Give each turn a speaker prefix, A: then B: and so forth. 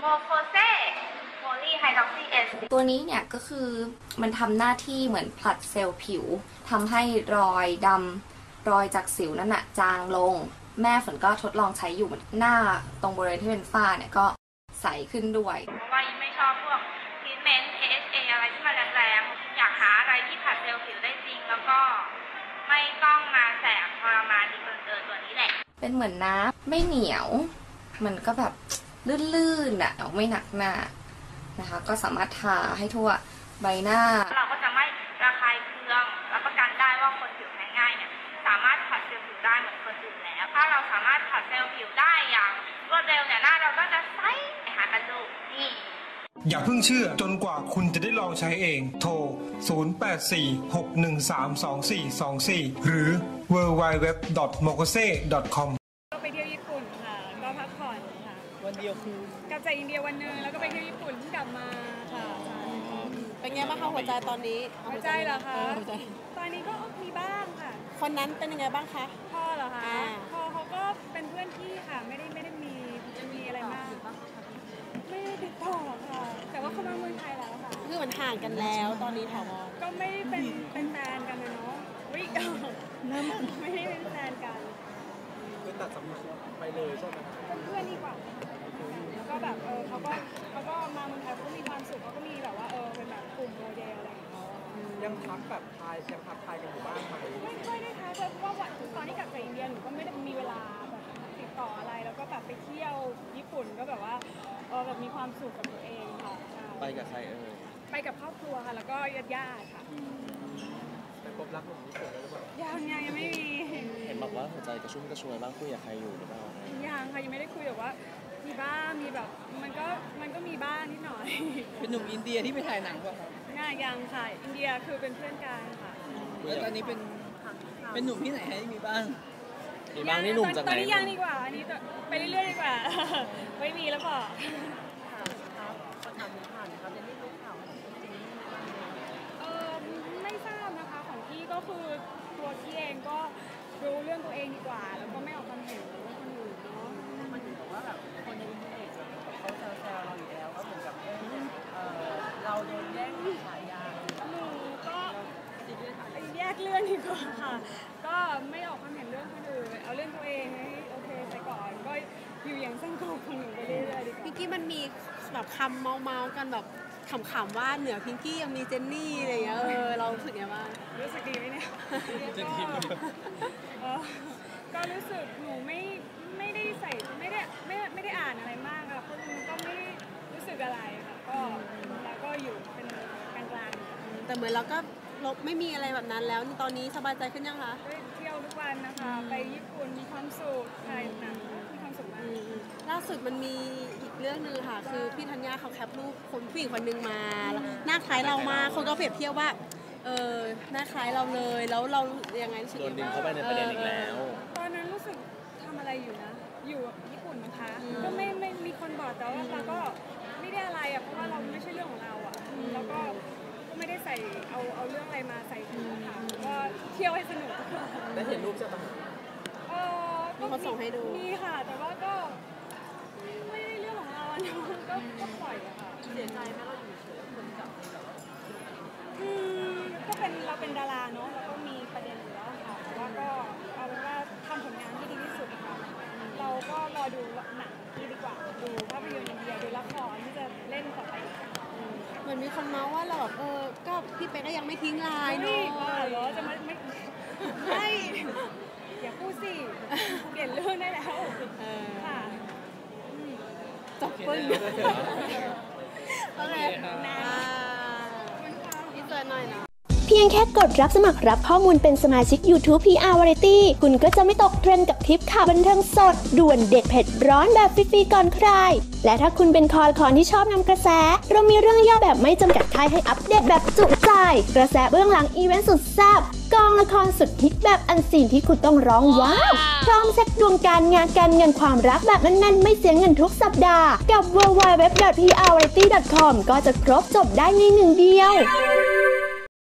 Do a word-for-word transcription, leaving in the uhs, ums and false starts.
A: โมโคเซโพลีไฮดรอกซีเอส
B: ตัวนี้เนี่ยก็คือมันทำหน้าที่เหมือนผลัดเซลล์ผิวทำให้รอยดำรอยจากสิวนั่นน่ะจางลงแม่ฝนก็ทดลองใช้อยู่หน้าตรงบริเวณที่เป็นฝ้าเนี่ยก็ใสขึ้นด้วย
A: เพราะว่ายิ่งไม่ชอบพวกทรีทเมนต์ เอ เอช เอ อะไรที่มันแรงๆอยากหาอะไรที่ผลัดเซลล์ผิวได้จริงแล้วก็ไม่ต้องมาแสบทรมานดีเกินเกินตัวนี้แหละ
B: เป็นเหมือนน้ำไม่เหนียวมันก็แบบลื่นๆอ่ะไม่หนักหน้านะคะก็สามารถทาให้ทั่วใบหน้า
A: เราก็จะไม่ระคายเคืองรับประกันได้ว่าคนผิวแพ้ง่ายเนี่ยสามารถผัดเซลล์ผิวได้เหมือนคนอื่นแล้วถ้าเราสามารถผัดเซลล์ผิวได้อย่างรวดเร็วเนี่ยหน้าเราก็จะใสหากันดูนี่
C: อย่าเพิ่งเชื่อจนกว่าคุณจะได้ลองใช้เองโทรศูนย์ แปด สี่ หก หนึ่ง สาม สอง สี่ สอง สี่หรือ ดับเบิลยู ดับเบิลยู ดับเบิลยู ดอท โมโคเซ ดอท คอม
D: ก็ไปเที่ยวญี่ปุ่นค่ะก็พักผ่อนค่ะ
E: วันเดียวคือก
D: ลับจากอินเดียวันนึงแล้วก็ไปเที่ยวญี่ปุ่นกลับมาค่ะ
F: เป็นไงบ้างคะหัวใจตอนนี้
D: หัวใจเหรอคะตอนนี้ก็มีบ้างค่ะ
F: คนนั้นเป็นยังไงบ้างคะ
D: พ่อเหรอคะพ่อเขาก็เป็นเพื่อนพี่ค่ะไม่ได้ไม่ได้มีมีอะไรมากไม่ได้ติดต่อค่ะแต่ว่าเขามาเมืองไทยแล้วค่ะ
F: คือมันห่างกันแล้วตอนนี้ถาวร
D: ก็ไม่ได้เป็นเป็นแฟนกันนะเนาะวิกน้ำไม่ได้เป็นแฟนกัน
E: คือตัดสัมพันธ์ไปเลยใช่ไหม
D: เป็นเพื่อนดีกว่าแล้วก็แบบเออเขาก็เขาก็มาเมืองไทยเขามีความสุขเขาก็มีแบบว่าเออเป็นแบบกลุ่มโมเดลอะไรอย่างเงี้ย
E: ยังทักแบบทายยังทักทายกันอยู่บ้างไหม
D: ไม่ค่อยได้ทักเพราะว่าตอนที่กลับจากอินเดียหนูก็ไม่ได้มีเวลาแบบติดต่ออะไรแล้วก็แบบไปเที่ยวญี่ปุ่นก็แบบว่าเออแบบมีความสุขกับตัวเองค่ะ
E: ไปกับใครเออ
D: ไปกับครอบครัวค่ะแล้วก็ญาติๆค่ะ
E: ไปพบรักของญี่ปุ่นแล้วหรือเปล่า
D: ยังยังยังไม่มี
E: เห็นบอกว่าหัวใจกระชุ่มกระชวยบ้างคุยกับใครอยู่หรือเปล่า
D: ยังค่ะยังไม่ได้คุยแต่ว่ามีบ้างมีแบบมันก็มันก็มีบ้างนิดหน่อย
E: เป็นหนุ่มอินเดียที่ไปถ่ายหนังป่ะครับ
D: ง่ายยังค่ะอินเดียคือเป็นเพื่อนกันค่ะ
E: แล้วตอนนี้เป็นเป็นหนุ่มที่ไหนให้มีบ้างมีบ้างนี่หนุ่มจากไหน
D: ตอนนี้ยังดีกว่าอันนี้ไปเรื่อยๆดีกว่าไม่มีแล้วพอ
F: ครับก็ทำผ่านครับยังไม่รู้ข่าวของจริง
D: เออไม่ทราบนะคะของพี่ก็คือตัวพี่เองก็รู้เรื่องตัวเองดีกว่าแล้วก็ไม่ออกความเห็นเรื่องคนอื่นเนาะ
F: มันถึงกับว่าแบบคนในอินเทอร์เน็ตเขาแซวๆเราอยู่แล้วก็เหมือนกับเออเราโดนแย่งฉายา
D: หนูก็แยกเรื่องดีกว่าค่ะก็ไม่ออกความเห็นเรื่องคนอื่นเอาเรื่องตัวเองให้โอเคไปก่อนก็อยู่อย่างสงบของหนูไปเรื่อยๆดีกว่า
F: พิงกี้มันมีแบบคำเมาๆกันแบบขำๆว่าเหนือพิงกี้ยังมีเจนนี่อะไรอย่างเงี้ยเออเรารู้สึกยังไงบ้าง
D: รู้สึกดีไหมเนี่ยก็รู้สึกหนูไม่ไม่ได้ใส่ไม่ได้ไม่ไม่ได้อ่านอะไรมากค่ะเพราะมันก็ไม่รู้สึกอะไรค่ะก็แล้วก็อยู่เป็นกลางๆ
F: แต่เหมือนเราก็ลบไม่มีอะไรแบบนั้นแล้วตอนนี้สบายใจขึ้นยังคะ
D: เที่ยวทุกวันนะคะไปญี่ปุ่นมีความสุขถ่ายหนังมีความสุขมาก
F: ล่าสุดมันมีอีกเรื่องนึงค่ะคือพี่ธัญญาเขาแคปรูปคนผู้หญิงคนนึงมาหน้าคล้ายเรามาคนก็เปรียบเทียบว่าเออหน้าคล้ายเราเลยแล้วเรายังไงรู้สึก
E: โดนดึงเข้าไปในประเด็นอีกแล้ว
D: ตอนนั้นรู้สึกทำอะไรอยู่นะอยู่ญี่ปุ่นนะคะก็ไม่ไม่มีคนบอกแต่ว่าเราก็ไม่ได้อะไรอ่ะเพราะว่าเราไม่ใช่เรื่องของเราอ่ะแล้วก็ก็ไม่ได้ใส่เอาเอาเรื่องอะไรมาใส่ถุงค่ะก็เที่ยวให้สนุก
E: ได้เห็นรูปใช่ปะ
D: เออ
F: ก็เขาส่งให้ดู
D: มีค่ะแต่ว่าก็ไม่ได้เรื่องของเราเนาะก็ก็ปล่อยอะค่ะ
F: เสียใจไหมเราอยู่เฉยคนจับเลยแบบว่า
D: อืมก็เป็นเราเป็นดาราเนาะแล้วก็มีประเด็นอยู่แล้วค่ะแต่ว่าก็เอาเป็นว่าทำผลงานที่ดีที่สุดค่ะเราก็รอดูหนังที่ดีกว่าดูภาพยนตร์อินเดียดูละครที่จะเล่นต่อไป
F: เหมือนมีคนเมาว่าเราแบบเออก็พี่เป๊กก็ยังไม่ทิ้งลายเนาะ
D: เหรอจะไม่ไม่ไม่อย่าพูดสิเปลี่ยนเรื่องได้แล้วค่ะ
F: จบปึ้งโอเคนะอีกตัวหน่อยนะ
G: เพียงแค่กดรับสมัครรับข้อมูลเป็นสมาชิก YouTube พี อาร์ Variety คุณก็จะไม่ตกเทรนด์กับทริปข่าวบันเทิงสดด่วนเด็ดเผ็ดร้อนแบบฟรีๆก่อนใครและถ้าคุณเป็นคอละครที่ชอบนำกระแสเรามีเรื่องย่อแบบไม่จำกัดท้ายให้อัปเดตแบบจุใจกระแสเบื้องหลังอีเวนต์สุดแซ่บกองละครสุดฮิตแบบอันซีนที่คุณต้องร้องว้าวพร้อมเซ็ตดวงการงานการเงินความรักแบบแน่นๆไม่เสียเงินทุกสัปดาห์กับ ดับเบิลยู ดับเบิลยู ดับเบิลยู ดอท พี อาร์ วาไรตี้ ดอท คอม ก็จะครบจบได้ในหนึ่งเดียว